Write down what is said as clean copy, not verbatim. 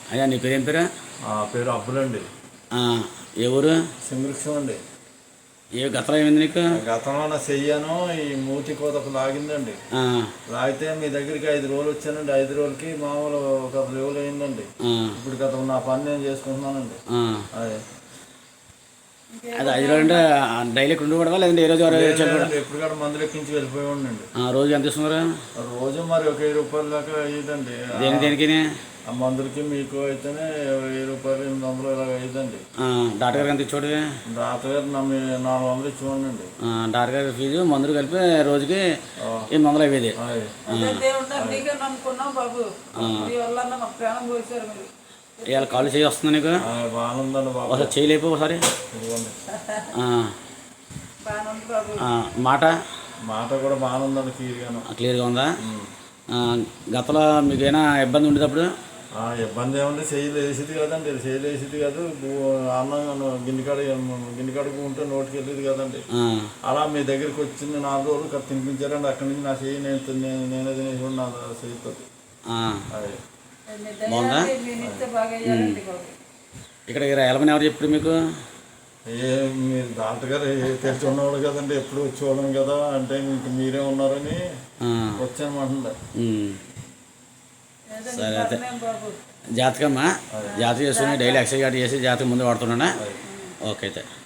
అయ్యా నీ పేరు ఏం పేరు? పేరు అబ్బులండి. ఏ ఊరు? సింగృక్షం అండి. ఏ గతంలో ఏమైంది నీకు? గతంలో నా చెయ్యను ఈ మూతి కోతకు లాగిందండి. లాగితే మీ దగ్గరికి 5 రోజులు వచ్చానండి. 5 రోజులకి మామూలు ఒక 10 రోజులు అయిందండి. ఇప్పుడు గతం నా పని నేను చేసుకుంటున్నానండి. అది 5 రోజులు అంటే డైలీ ఉండకూడదా లేదంటే ఏ రోజు ఎప్పుడు కూడా మందులు ఎక్కించి వెళ్ళిపోయి ఉండండి. రోజు ఎంత ఇస్తున్నారు? రోజు మరి ఒక 1000 రూపాయల దాకా అయ్యిందండి. దేనికి? ఆ మందులకి మీకు అయితేనే 1000 రూపాయలు 800 ఇలాగ అయ్యిందండి. డాక్టర్ గారు ఎంత ఇచ్చాడు? డాక్టర్ గారు 400 ఇచ్చివ్వండి. డాక్టర్ గారి ఫీజు మందులు కలిపి రోజుకి 800 అయ్యేది. ఇవాళ కాలు చేయి వస్తుంది నీకు? బాగుందండి బాబు. ఒకసారి చేయలేపు ఒకసారి. మాట కూడా బాగుందండి. క్లియర్గా ఉందా? గతంలో మీకు ఏమైనా ఇబ్బంది ఉండేటప్పుడు? ఇబ్బంది ఏముంది, చేయలేసేది కదండి. చేయలేసేది కాదు. అన్నం గిన్నెకాడకు ఉంటే నోటికి వెళ్ళేది కదండి. అలా మీ దగ్గరికి వచ్చింది 4 రోజులు తినిపించారండి. అక్కడి నుంచి నా చెయ్యి నేనే తినేసి నా చెయ్యితో. బాగుందా? ఇక్కడ వెళ్ళమని ఎవరు చెప్పారు మీకు? మీరు డాక్టర్ గారు తెలిసి ఉన్నవాడు కదండి, ఎప్పుడు వచ్చేవాళ్ళం కదా, అంటే మీకు మీరే ఉన్నారని వచ్చానమాట. సరే అయితే జాతకమ్మా, జాతకం చేసుకుని డైలీ ఎక్సర్సైజ్ చేసి జాతకం ముందు వాడుతున్నానా? ఓకే అయితే.